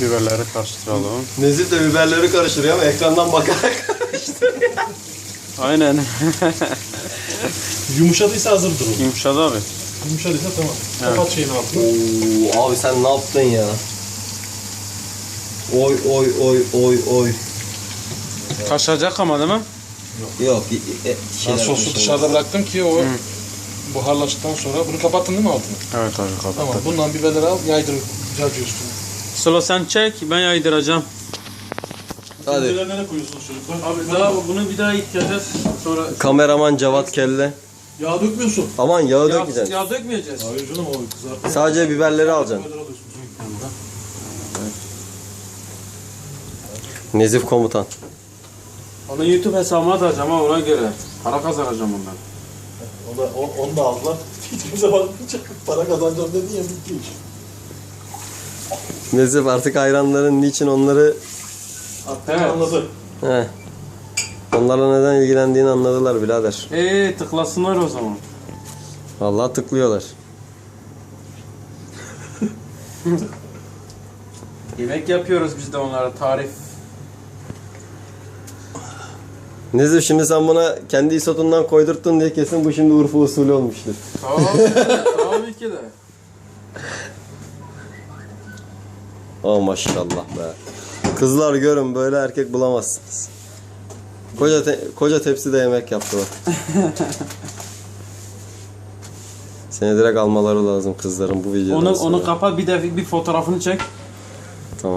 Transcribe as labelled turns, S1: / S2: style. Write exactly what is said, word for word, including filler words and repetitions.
S1: Biberleri karıştıralım.
S2: Nezih de biberleri karıştırıyor ama ekrandan bakarak karıştırıyor.
S1: Aynen.
S3: Yumuşadıysa hazırdır o.
S1: Yumuşadı abi.
S3: Yumuşadıysa tamam.
S1: Evet.
S3: Kapat şeyin altına.
S2: Oo, abi sen ne yaptın ya? Oy oy oy oy oy.
S1: Kaşacak ama değil mi?
S2: Yok. E, e,
S3: Ben
S2: şeyler
S3: sosu
S2: konuşalım.
S3: dışarıda bıraktım ki o buharlaştıktan sonra. Bunu kapattın değil mi altını?
S1: Evet abi kapat.
S3: Tamam. Bundan biberleri al, yaydır cacı üstüne.
S1: Sıla sen çek, ben yaydıracağım.
S2: Hadi.
S3: Biberleri nereye koyuyorsunuz çocuklar?
S1: Abi daha bunu bir daha yıkayacağız. Sonra
S2: Kameraman Cevat Kelle.
S3: Yağ dökmüyorsun.
S2: Aman yağı
S1: yağ,
S2: dökmeyeceksin.
S1: yağ dökmeyeceğiz.
S3: Hayır canım o kızartma.
S2: Sadece biberleri alacaksın.
S3: Biberleri alıyorsun.
S2: Nezif komutan.
S1: Onu YouTube hesabıma atacağım ama ona göre. Para kazanacağım ondan.
S3: O da, o, onu da aldılar. Kimse bakmayacak. Para kazanacağım dedin ya bitti iş.
S2: Nezif artık hayranların niçin onları
S3: Attığını
S1: Evet.
S3: anladı.
S2: he. Onlarla neden ilgilendiğini anladılar birader.
S1: Eee tıklasınlar o zaman.
S2: Vallahi tıklıyorlar.
S1: Yemek yapıyoruz biz de onlara tarif.
S2: Nezif şimdi sen buna kendi isotundan koydurttun diye kesin bu şimdi Urfa usulü olmuştur.
S1: Tabii, tabii ki de.
S2: Oh maşallah be. Kızlar görün böyle erkek bulamazsınız. Koca te- koca tepside yemek yaptı bak. Seni direkt almaları lazım kızların bu videodan
S1: Onu
S2: sonra.
S1: onu kapat bir de bir fotoğrafını çek.